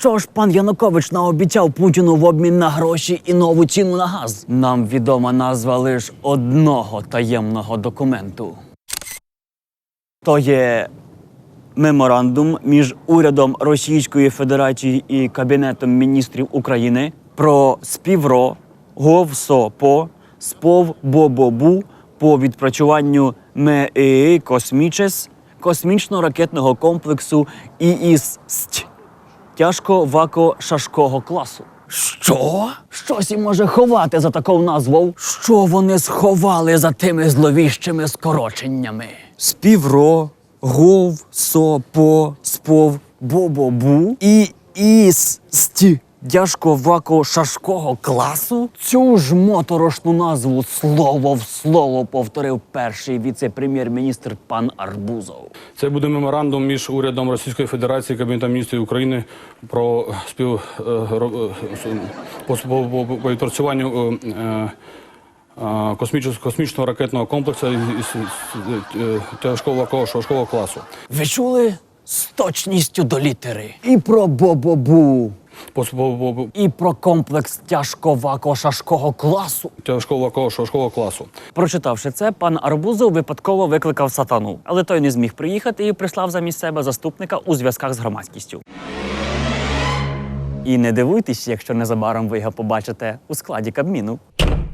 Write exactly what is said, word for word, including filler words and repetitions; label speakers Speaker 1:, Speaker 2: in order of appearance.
Speaker 1: Що ж пан Янукович наобіцяв Путіну в обмін на гроші і нову ціну на газ? Нам відома назва лише одного таємного документу. То є меморандум між урядом Російської Федерації і Кабінетом міністрів України про співро говсопо сповбобобу по відпрацюванню МЕІ «Космічес» космічно-ракетного комплексу ІІС-СТ тяжко-вако-шашкого класу. Що? Щось і може ховати за таку назву? Що вони сховали за тими зловіщими скороченнями? Співро, гов, сопо, спов, бобобу і іс-ст тяжко-вако-шашкого класу? Цю ж моторошну назву слово в слово повторив перший віце-прем'єр-міністр пан Арбузов.
Speaker 2: Це буде меморандум між урядом Російської Федерації і Кабінетом міністрів України про спів по, по, по відпрацюванню космічного, космічного ракетного комплексу тяжкого-вако-шашкового класу.
Speaker 1: Ви чули? З точністю до літери. І про бобобу.
Speaker 2: По, по, по,
Speaker 1: І про комплекс тяжко-вако-шашкового класу.
Speaker 2: Тяжкого-вако-шашкового класу.
Speaker 1: Прочитавши це, пан Арбузов випадково викликав сатану. Але той не зміг приїхати і прислав замість себе заступника у зв'язках з громадськістю. І не дивуйтесь, якщо незабаром ви його побачите у складі Кабміну.